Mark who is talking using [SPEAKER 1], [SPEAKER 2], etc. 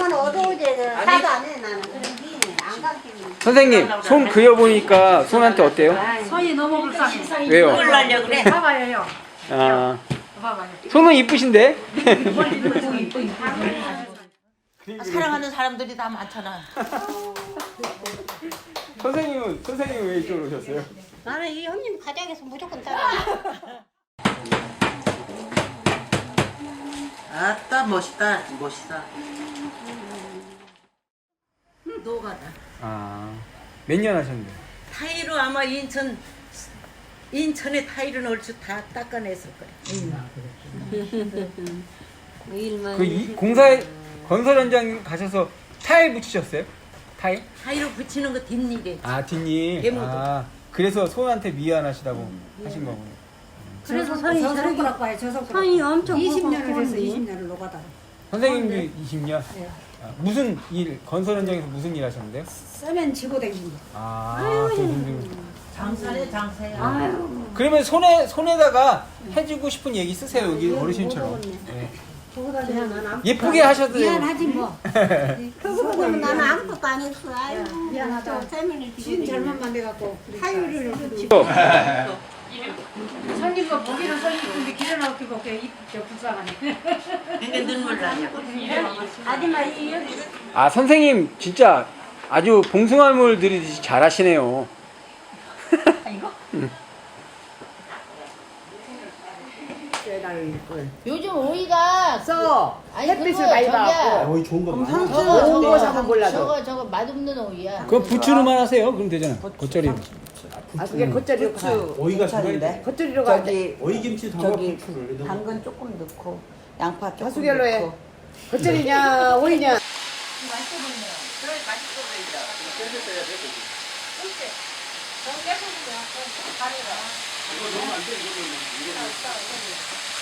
[SPEAKER 1] 가면 어두워지 사도 안 해 나는. 그런 게 안 감기는.
[SPEAKER 2] 선생님 손 그려보니까 손한테 어때요?
[SPEAKER 3] 손이 너무 불쌍해.
[SPEAKER 2] 왜요?
[SPEAKER 4] 뭘 날려 그래?
[SPEAKER 3] 봐봐요.
[SPEAKER 2] 아
[SPEAKER 3] 봐봐요.
[SPEAKER 2] 손은 이쁘신데?
[SPEAKER 4] 사랑하는 사람들이 다 많잖아.
[SPEAKER 2] 선생님은 왜 이쪽으로 오셨어요?
[SPEAKER 1] 나는 이 형님 가정에서 무조건 따라.
[SPEAKER 4] 아따 멋있다 멋있다. 노가다.
[SPEAKER 2] 몇 년 하셨는데?
[SPEAKER 4] 타일로 아마 인천에 타일은 얼추 다 닦아냈을 거야.
[SPEAKER 1] 일만.
[SPEAKER 2] 공사에 건설 현장 가셔서 타일 붙이셨어요? 타일?
[SPEAKER 4] 타일로 붙이는 거 뒷일에.
[SPEAKER 2] 뒷일.
[SPEAKER 4] 대모도.
[SPEAKER 2] 그래서 손한테 미안하시다고 하신 거군요.
[SPEAKER 1] 그래서 손이 저렇게
[SPEAKER 3] 봐요. 저 손가락.
[SPEAKER 1] 손이 엄청
[SPEAKER 3] 20년을 해서 20년을 녹아다.
[SPEAKER 2] 선생님도 20년? 무슨 일, 건설 현장에서 무슨 일 하셨는데요?
[SPEAKER 3] 쓰면 지고 댕긴 거.
[SPEAKER 4] 장사네 장사야.
[SPEAKER 2] 그러면 손에다가 해주고 싶은 얘기 쓰세요, 여기 어르신처럼. 네. 예쁘게 하셔도 돼요.
[SPEAKER 3] 미안하지 뭐.
[SPEAKER 1] 그거는 나는 아무것도 안 했어. 아유
[SPEAKER 3] 미안하다.
[SPEAKER 1] 세면을
[SPEAKER 3] 지금 잘못만 돼갖고 타율을 손님과 보기는 손이 이쁜데 길어 나오기고 저 불쌍하네.
[SPEAKER 4] 이게 눈물 나냐.
[SPEAKER 1] 아줌마 이 여기
[SPEAKER 2] 선생님 진짜 아주 봉숭아물 들이듯이 잘하시네요.
[SPEAKER 5] 요즘 오이가
[SPEAKER 6] 써
[SPEAKER 5] 아니,
[SPEAKER 6] 햇빛을
[SPEAKER 5] 그거
[SPEAKER 6] 많이
[SPEAKER 5] 저기야.
[SPEAKER 6] 받고
[SPEAKER 7] 거의 좋은 거 많아.
[SPEAKER 6] 좋은 거 사면 몰라도
[SPEAKER 5] 저거 맛없는 오이야.
[SPEAKER 2] 그거 부추로만 하세요. 그럼 되잖아. 겉절이로.
[SPEAKER 6] 아 그게 겉절이로 가
[SPEAKER 7] 오이가 좋아인데.
[SPEAKER 6] 겉절이로 가
[SPEAKER 7] 오이 김치 담가 부추를.
[SPEAKER 4] 당근 조금 넣고 양파 조금
[SPEAKER 6] 다수결로 해
[SPEAKER 4] 넣고.
[SPEAKER 6] 겉절이냐 오이냐
[SPEAKER 4] 맛있어 보이네요. 그래 맛있어 보인다.
[SPEAKER 7] 이거 넣으면 안 돼. 이거 넣으면.